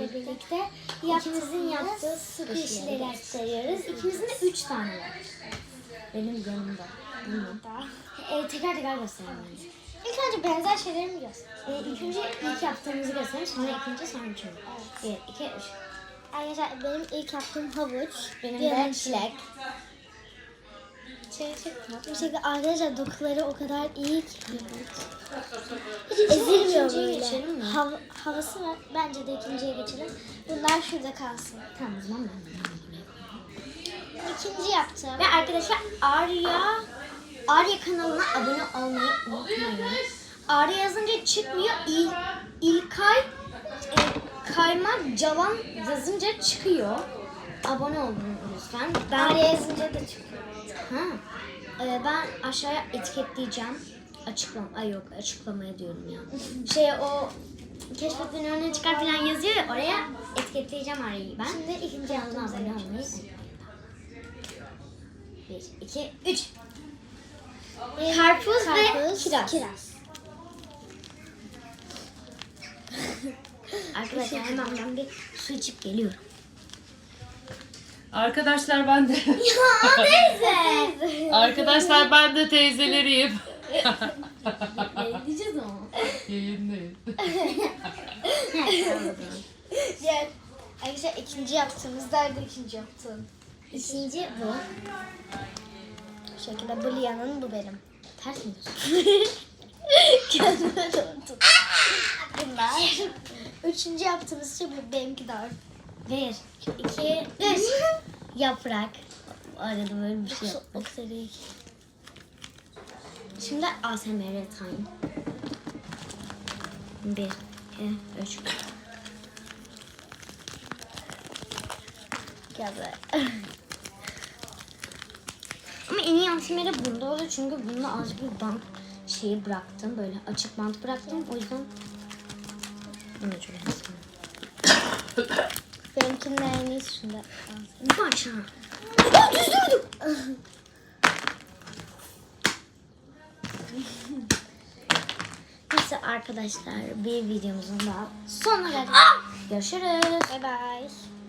sizlerle birlikte ikimizin yaptığı su kuşları aktarıyoruz. İkimizin de 3 tane var. Benim yanımda. Tekrar gösterelim. İlk önce benzer şeyleri mi gösterelim? İlk önce ilk yaptığımızı gösterelim. Sonra ikinci, sonra üçüncü. Evet. 1, 2, 3. Arkadaşlar benim ilk yaptığım havuç. Benim de çilek. Bir şekilde arkadaşlar dokuları o kadar iyi ki. Ezilmiyor böyle. Havası var. Bence de ikinciye geçelim. Bunlar şurada kalsın. Tamam o zaman ben İkinci yaptım. Ve arkadaşlar Arya kanalına abone olmayı unutmayın. Arya yazınca çıkmıyor. İlkay Kaymak Cavan yazınca çıkıyor. Abone olun lütfen. Arya yazınca da çıkıyor. Ben aşağıya etiketleyeceğim. Açıklamaya diyorum ya. O keşfetmenin önüne çıkar falan yazıyor ya, oraya etiketleyeceğim Arya'yı ben. Şimdi ikinci yaptığımıza abone olmayı. 1, 2, 3. Karpuz ve kiraz. Arkadaşlar hemen ben bir su içip geliyorum. Arkadaşlar ben de. Ya neyse. Arkadaşlar ben de teyzeleriyim. Diyeceğiz ama. Yayındayım. Diğer arkadaşlar ikinci yaptığımızda ikinci yaptığım. İkinci bu. Bu şekilde bu Lia'nın, bu benim. Ters mi diyorsun? Kendime döndüm. Bunlar. Üçüncü yaptığımız şey bu, benimki de var. 1, 2, 3. Yaprak. Arada böyle bir şey yapmak. Şimdi ASMR time. 1, 2, 3. Gel böyle. Ama en iyi ASMR bunda oluyor çünkü bunda azıcık bir bant şeyi bıraktım. Böyle açık bant bıraktım. O yüzden bunu çok ASMR. Benimkinin en iyisi şunda. Başa. Düz durdum. Neyse arkadaşlar, bir videomuzun daha sonuna geldik. Görüşürüz. Bye bye.